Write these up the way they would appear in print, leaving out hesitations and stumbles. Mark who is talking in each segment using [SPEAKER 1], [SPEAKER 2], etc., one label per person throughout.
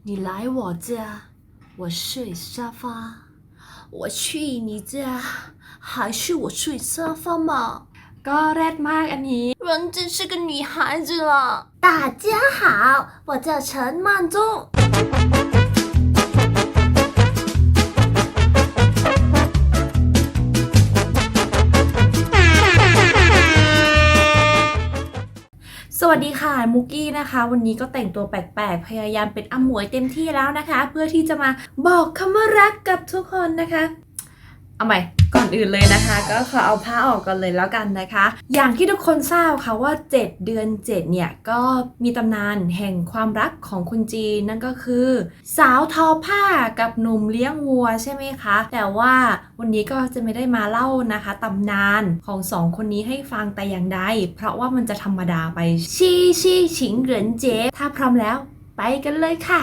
[SPEAKER 1] 你来我家，我睡沙发。我去你家，还是我睡沙发嘛？ก็แรดมากอันนี้人真是个女孩子了。大家好，我叫陈曼中。สวัสดีค่ะมุกกี้นะคะวันนี้ก็แต่งตัวแปลกๆพยายามเป็นอมวยเต็มที่แล้วนะคะเพื่อที่จะมาบอกคำว่ารักกับทุกคนนะคะเอาใหม่ก่อนอื่นเลยนะคะก็ขอเอาผ้าออกก่อนเลยแล้วกันนะคะอย่างที่ทุกคนทราบค่ะว่า7เดือน7เนี่ยก็มีตำนานแห่งความรักของคนจีนนั่นก็คือสาวทอผ้ากับหนุ่มเลี้ยงวัวใช่ไหมคะแต่ว่าวันนี้ก็จะไม่ได้มาเล่านะคะตำนานของสองคนนี้ให้ฟังแต่อย่างใดเพราะว่ามันจะธรรมดาไปชี่ฉิงเหรินเจถ้าพร้อมแล้วไปกันเลยค่ะ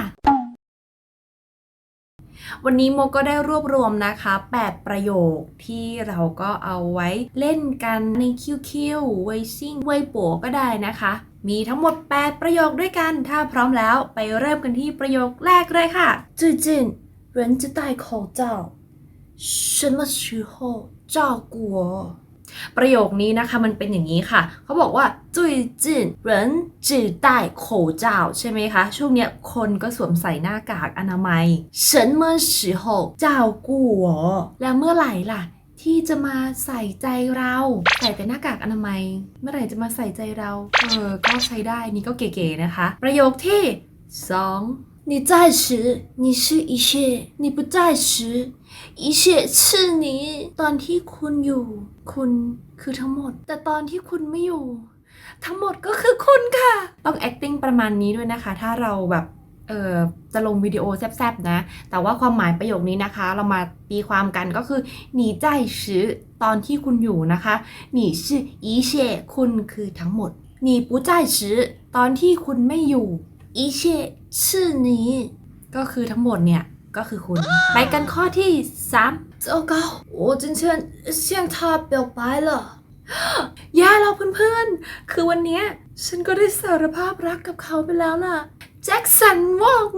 [SPEAKER 1] วันนี้โมก็ได้รวบรวมนะคะ8ประโยคที่เราก็เอาไว้เล่นกันในคิวเวยซิ่งเวยป๋วก็ได้นะคะมีทั้งหมด8ประโยคด้วยกันถ้าพร้อมแล้วไปเริ่มกันที่ประโยคแรกเลยค่ะ最近人จะ戴口罩什么时候照顾我ประโยคนี้นะคะมันเป็นอย่างนี้ค่ะเขาบอกว่า最近人只戴口罩ใช่ไหมคะช่วงเนี้ยคนก็สวมใส่หน้ากากอนามัย什么时候照顾我แล้วเมื่อไหร่ล่ะที่จะมาใส่ใจเราใส่แต่หน้ากากอนามัยเมื่อไหร่จะมาใส่ใจเราก็ใช้ได้นี่ก็เก๋ๆนะคะประโยคที่2你在时你是一切你不在时一切是你ตอนที่คุณอยู่คุณคือทั้งหมดแต่ตอนที่คุณไม่อยู่ทั้งหมดก็คือคุณค่ะต้อง acting ประมาณนี้ด้วยนะคะถ้าเราแบบจะลงวิดีโอแซบๆนะแต่ว่าความหมายประโยคนี้นะคะเรามาตีความกันก็คือ你在时ตอนที่คุณอยู่นะคะ你是一切คุณคือทั้งหมด你不在时ตอนที่คุณไม่อยู่一切是你ก็คือทั้งหมดเนี่ยก็คือคุณไปกันข้อที่3糟糕我今天向他表白了แย่แล้วเพื่อนๆคือวันนี้ฉันก็ได้สารภาพรักกับเขาไปแล้วล่ะแจ็คสันวอง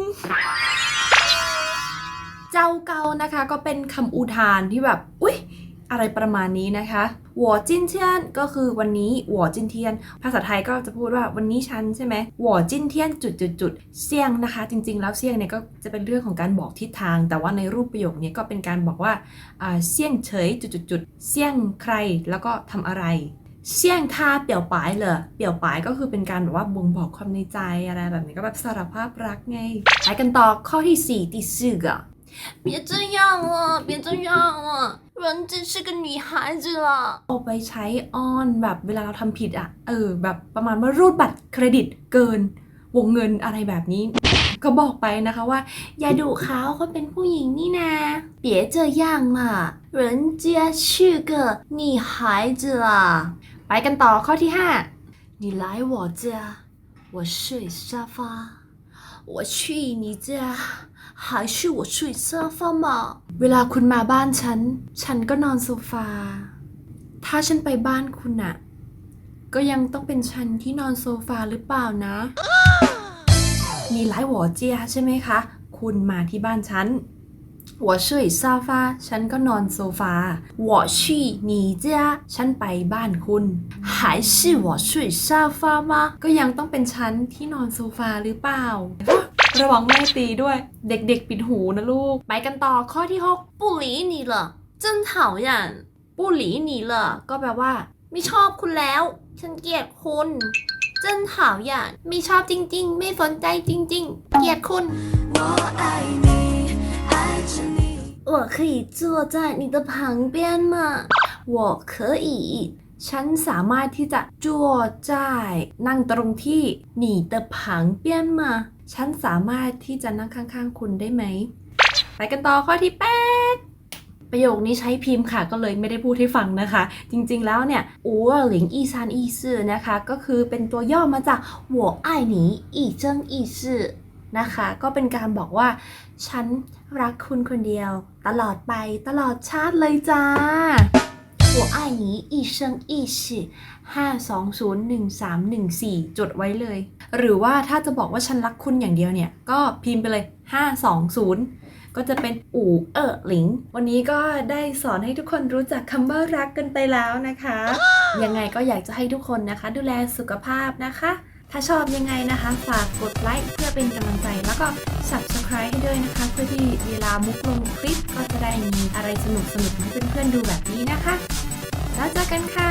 [SPEAKER 1] เจ้าเกานะคะก็เป็นคำอุทานที่แบบอุ๊ยอะไรประมาณนี้นะคะ我今天ก็คือวันนี้我今天ภาษาไทยก็จะพูดว่าวันนี้ฉันใช่ไหม我今天เสี่ยงนะคะจริงๆแล้วเสี่ยงเนี่ยก็จะเป็นเรื่องของการบอกทิศทางแต่ว่าในรูปประโยคนี้ก็เป็นการบอกว่าเสี่ยงเฉยเสี่ยงใครแล้วก็ทำอะไรเสี่ยงท่าเปี่ยวปายเหรอเปี่ยวปายก็คือเป็นการแบบว่าบ่งบอกความในใจอะไรแบบนี้ก็แบบสารภาพรักไงไปกันต่อข้อที่4第四个别这样了别这样了人真是个女孩子了เอาไปใช้อ้อนแบบเวลาเราทำผิดอะแบบประมาณว่ารูดบัตรเครดิตเกินวงเงินอะไรแบบนี้ก็บอกไปนะคะว่าอย่าดุเขาเป็นผู้หญิงนี่นะ别这样了人家是个女孩子了ไปกันต่อข้อที่5你来我家我睡沙发我去你家还是我睡沙发嘛เวลาคุณมาบ้านฉันก็นอนโซฟาถ้าฉันไปบ้านคุณน่ะก็ยังต้องเป็นฉันที่นอนโซฟาหรือเปล่านะมีหลายหัวเจียใช่ไหมคะคุณมาที่บ้านฉัน我睡沙发ฉันก็นอนโซฟา我去你家ฉันไปบ้านคุณ还是我睡沙发吗ก็ยังต้องเป็นฉันที่นอนโซฟาหรือเปล่าระวังแม่ตีด้วยเด็กๆปิดหูนะลูกไปกันต่อข้อที่6不理你了真讨厌不理你了ก็แปลว่าไม่ชอบคุณแล้วฉันเกลียดคุณ真讨厌ไม่ชอบจริงๆไม่สนใจจริงๆเกลียดคุณ我爱你爱着你我可以坐在你的旁边吗我可以ฉันสามารถที่จะจั่วจ่ายนั่งตรงที่你的旁边吗ฉันสามารถที่จะนั่งข้างๆคุณได้ไหมไปกันต่อข้อที่8ประโยคนี้ใช้พิมพ์ค่ะก็เลยไม่ได้พูดให้ฟังนะคะจริงๆแล้วเนี่ย501314นะคะก็คือเป็นตัวย่อมาจาก我爱你一生一世นะคะก็เป็นการบอกว่าฉันรักคุณคนเดียวตลอดไปตลอดชาติเลยจ้า我我爱你一生一世5201314จดไว้เลย หรือว่าถ้าจะบอกว่าฉันรักคุณอย่างเดียวเนี่ยก็พิมพ์ไปเลย520ก็จะเป็นอู่หลิงวันนี้ก็ได้สอนให้ทุกคนรู้จักคำว่ารักกันไปแล้วนะคะยังไงก็อยากจะให้ทุกคนนะคะดูแลสุขภาพนะคะถ้าชอบยังไงนะคะฝากกดไลค์เพื่อเป็นกำลังใจแล้วก็ Subscribe ให้ด้วยนะคะเพื่อที่เวลามุกลงคลิปก็จะได้มีอะไรสนุกๆให้เพื่อนๆดูแบบนี้นะคะแล้วเจอกันค่ะ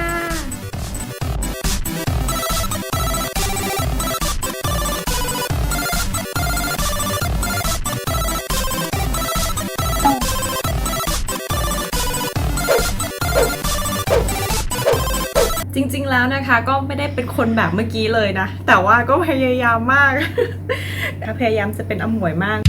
[SPEAKER 1] จริงๆแล้วนะคะก็ไม่ได้เป็นคนแบบเมื่อกี้เลยนะแต่ว่าก็พยายามมาก พยายามจะเป็นอมวยมาก